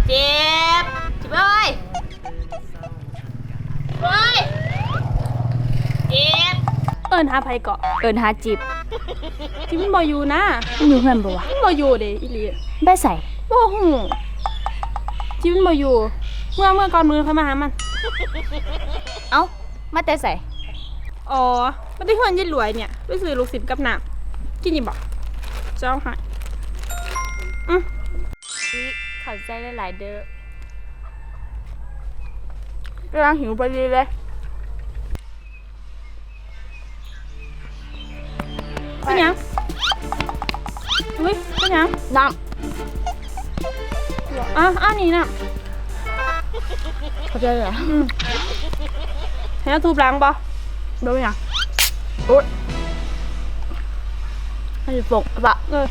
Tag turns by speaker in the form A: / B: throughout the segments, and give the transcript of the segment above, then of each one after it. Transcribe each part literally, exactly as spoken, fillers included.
A: เจ็บจิบเอ้ยเฮ้ยเจ็บ
B: เอิ้นหาไผเกาะ
A: เอิ้นหาจิบ
B: จิบมันบ่อยู่นะ
A: มันอยู่เฮือนบ่วะ
B: มันบ่อยู่เด้อีหลี
A: ไปใส่
B: บ่ฮู้จิบมันบ่อยู่เมื่อเมื่อก่อนมื้อค่อยมาหามัน
A: เอ้ามาแต่ใส่
B: อ๋อมันได้เฮือนยายหลวยเนี่ยไปซื้อลูกศิษย์กับน้ำกินอีบ่เจ้าให้อือ
A: เข้าใจหลายๆเด้อกำลังหิวพอดีเลย
B: เป็นยังอุ้ยเป็นยัง
A: น้ำ
B: อ่ะอันนี้น้
A: ำเข้าใจเหรอ
B: อืมให้เราทูบล้างบ่
A: ดูยังโอ๊ยให้ฝกปะ
B: เออ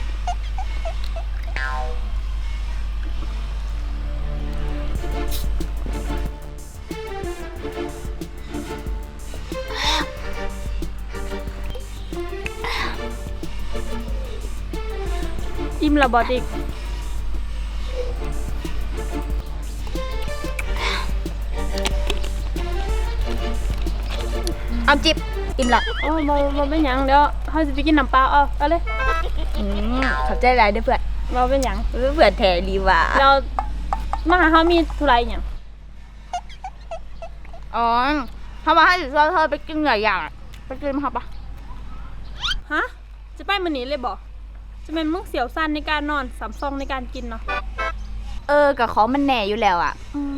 B: อิ่มแล้วบ่ติก
A: เอาจิบอิ่มละ
B: โอ้บ่บ่เป็นหยังเดี๋ยวเฮาสิไปกินน้ำเปล่าเอาเอาเลย
A: อืมขอบใจหลายเด้อเพื่อน
B: บ่เป็นหยัง
A: เพื่อนแท้ดีว่ะ
B: เรามาหาเฮามีธุระอีหยัง
A: อ๋อถ้าว่าให้สิชวนเธอไปกินหลายอย่างไปกินมั้ยครับปะ
B: ฮะจะไปมื้อนี้เลยบ่จะเป็นมึงเสียวสั้นในการนอนสามซองในการกินเนาะ
A: เออกับของมันแหน่อยู่แล้วอ่ะ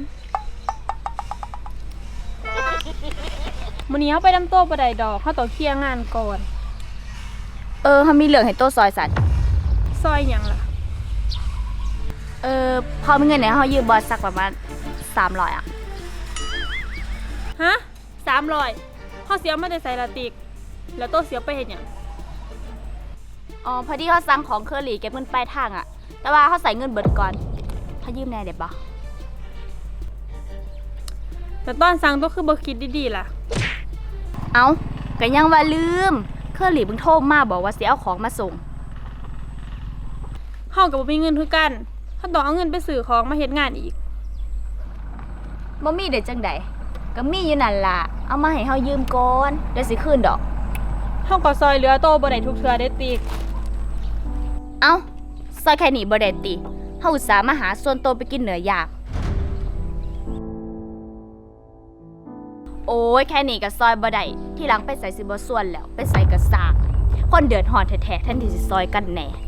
B: มื้อนี้เฮาไปดำโต๊ะบ่ได้ดอกเฮาต้องเคลียร์งานก่อน
A: เออเฮามีเรื่องให้โต๊ะซอยสัตว์
B: ซอยหยังล่ะ
A: เออพอมีเงินเนี่ยเฮายืมบอสสักประมาณสามร้อยอ่ะ
B: ฮะสามร้อยเฮาเสียมาได้ใส่ละติกแล้วโต๊ะเสียไปเฮ็ดหยัง
A: อ๋อพอดีเขาสั่งของเคอรี่เก็บเงินปลายทางอะแต่ว่าเขาใส่เงินเบิดก่อนเขายืมแน่เด็ดบ่
B: แต่ตอนสั่งต้องคือบ่คิดดีๆล่ะ
A: เอาก็ยังว่าลืมเคอรี่เพิ่งโทรมาบอกว่าสิเอาของมาส่ง
B: เฮาก็บ่มีเงินคือกันเฮาต้องเอาเงินไปซื้อของมาเฮ็ดงานอีก
A: บ่มีได้จังได๋ก็มีอยู่นั่นล่ะเอามาให้เฮายืมก่อนเดี๋ยวสิคืนดอก
B: เฮาก็ซอยเหลือโตบ่ได้ทุกเทื่อเด้ติก
A: เอ้าซอยแค่นี้บ่ได้ติเฮาอุตส่าห์มาหาส่วนโตไปกินเนื้อย่างโอ้ยแค่นี้ก็ซอยบ่ได้ที่หลังไปใส่สิบ่ส่วนแล้วไปใส่ก็สร้างคนเดือดร้อนแท้ๆแทนที่สิซอยกันแน่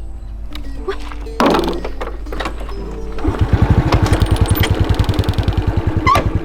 A: ไป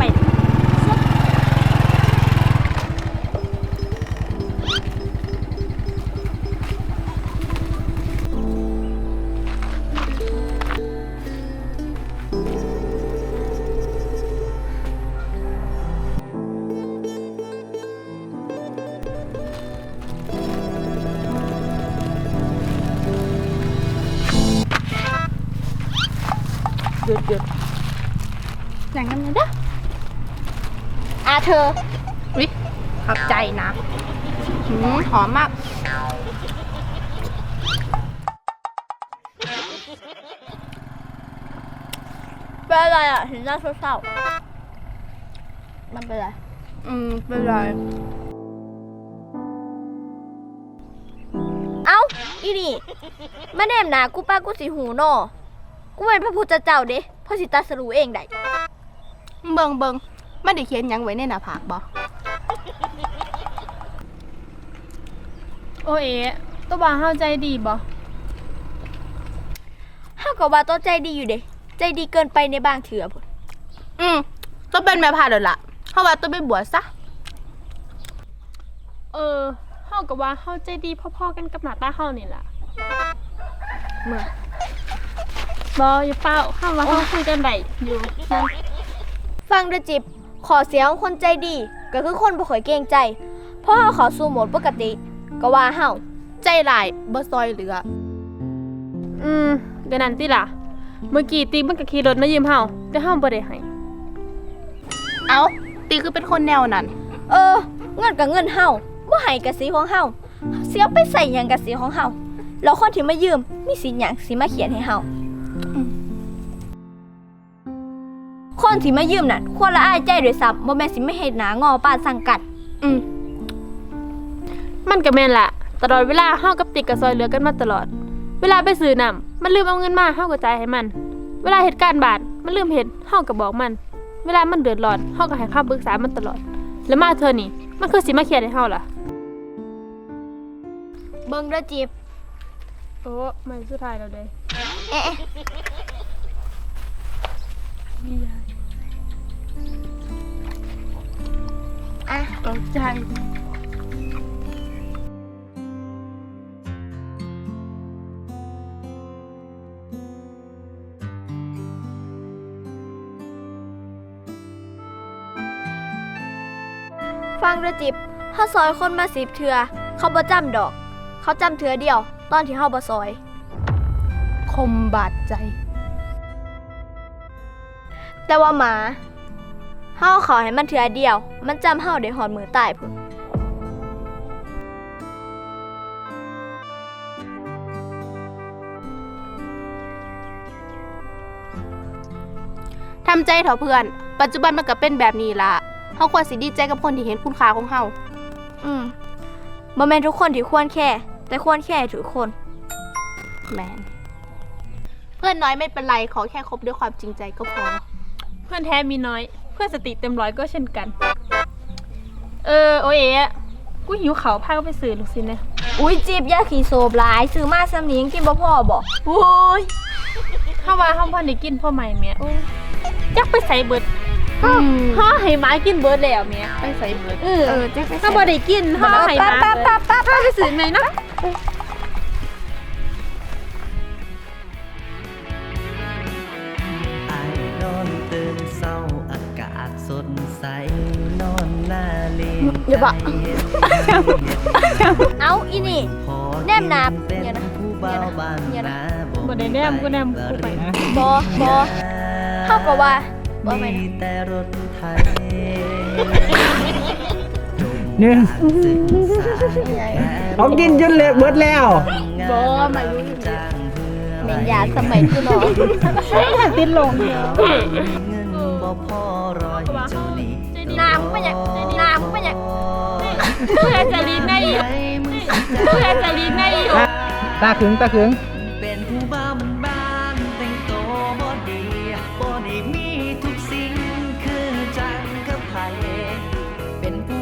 A: หยุดหยุดอย่างนั้นเลยนะอาเธอวิขอบใจนะหืมหอมมากเป็นอะไรอ่ะเห็นหน้าเศร้าๆมันเป็นไรอืมเป็นไร
C: เอ้าอีนี่มาแนมหนากูป้ากูสิหูนอกูเป็นพระพุทธเจ้าเด้พ่อสิตรัสรู้เองได้
A: เบิ่งเบิ่งมันได้เขียนหยังไว้ในหน้าผากบ่
B: โอเอ๋ตัวบ่าเฮาใจดีบ่
C: เฮาก็ว่าตัวใจดีอยู่เด้ใจดีเกินไปในบางเถื่อพุ่น
A: อืมตัวเป็นแม่พาแล้วล่ะเฮาว่าตัวไปบวชซะ
B: เออเฮาก็ว่าเฮาใจดีพอๆกันกับหน้าตาเฮานี่ล่ะ
A: เมื่อ
B: บ่อย่าเป้าเฮาว่าเฮาคุยกันได้อยู่นั่น
C: ฟังเด้อจิบขอเสียของคนใจดีก็คือคนบ่ค่อยเกรงใจพอเฮาเข้าสู่โหมดปกติก็ว่าเฮา
A: ใจร้ายบ่ซอยเหลือ
B: อืมก็นั่นติล่ะเมื่อกี้ติ๊กมันก็ขี่รถมายืมเฮาแต่เฮาบ่ได้ให้
A: เอ้าติ๊กคือเป็นคนแนวนั้น
C: เออเงินก็เงินเฮาบ่ให้ก็สิของเฮาเสียไปใส่หยังก็สิของเฮาแล้วคนที่มายืมมีสิหยังสิมาเขียนให้เฮาคนที่มายืมน่ะควรละอายใจด้วยซ้ำบ่แม่นสิไม่เฮ็ดหน้างอปานสังกัด
B: อืมมันก็แม่นล่ะตลอดเวลาเฮากับติ๊กก็ซอยเหลือกันมาตลอด เวลาไปซื้อน้ำมันลืมเอาเงินมาเฮาก็จ่ายให้มัน เวลาเหตุการณ์บาดมันลืมเฮ็ดเฮาก็บอกมัน เวลามันเดือดร้อนเฮาก็ให้คำปรึกษามันตลอด แล้วมาเธอนี่มันคือสิมาเครียดให้เฮาล่ะ
C: เบิ่งเด้อจิบ
B: โอ้ไม่สุดท้ายแล้วเด้
C: เอ๊ะ อ่ะ
B: ตกใจ
C: ฟังเด้อจิบเฮาซอยคนมาสิบเทื่อเขาบ่จำดอก เขาจำเทื่อเดียว ตอนที่เฮาบ่ซอย
A: คมบาดใจ
C: แต่ว่าหมาเฮาขอให้มันเทื่อเดียว มันจำเฮาได้ฮอดมือตายพุ่น
A: ทำใจเถอะเพื่อน ปัจจุบันมันก็เป็นแบบนี้ล่ะเฮาควรสิดีใจกับคนที่เห็นคุณค่าของเฮา
C: อืมบ่แม่นทุกคนที่ควรแค่ แต่ควรแค่ทุกคน
A: แมนเพื่อนน้อยไม่เป็นไร ขอแค่คบด้วยความจริงใจก็พอ
B: เพื่อนแท้มีน้อย เพื่อนสติเต็มร้อยก็เช่นกัน เออโอเอ๋กูหิวเขาวพาก็ไปซื้อลูกชิ้นนะ
C: อุ้ยจิบอย่าขี้โซบหลายซื้อมาซ้ำนี้ยังกินบ่พอบ่
B: โอ้ยถ้าว่าห้องพ่อได้กินพ่อใหม่แม่จักไปใส่เบิดห่อให้หมากินเบิดแล้วแม่
A: ไปใส่เบิด
B: เออ
C: เออจักไป
B: ถ้าบ่ได้กินห่อให้หมาเบิดป้าไปซื้อไหนนะ
D: ไอ้นอนตื่นเศร้าอากาศสดใสนอนหน้าเลน
C: อย่าบะ
D: ใจเย็น
C: เอ้าอีนี่
D: พอ
C: แนมนาบ
D: เป็น
C: เนี่ยนะ
D: ผู้เบาบาง
C: เนี่ยนะ
D: นา
B: บ่ได้แนมกูแนมกูไป
C: บ่บ่เฮาก็ว่าบ่แม่น
D: มีแต่รถไทย
E: หนึ่ง
D: ศึกษา
E: เขากินจนเละเบิดแล้ว
A: บ่มารู้
D: จ้างเพื่อ
C: แม่นยาสมัยคือน้อง
B: ติดลง
D: เงินบ่พอรอยเจ้าหนี้
C: น้ำเป็นหยังน้ำเป็นหยัง
B: เพื่อจะลีนได้อยู่เพื่อจะลีนได้อยู่
E: ตาขึงตาขึง
D: เป็นผู้บ้ามันบ้านแต่งตัวบ่ดีบ่ได้มีทุกสิ่งคือจังกับไผเป็นผู้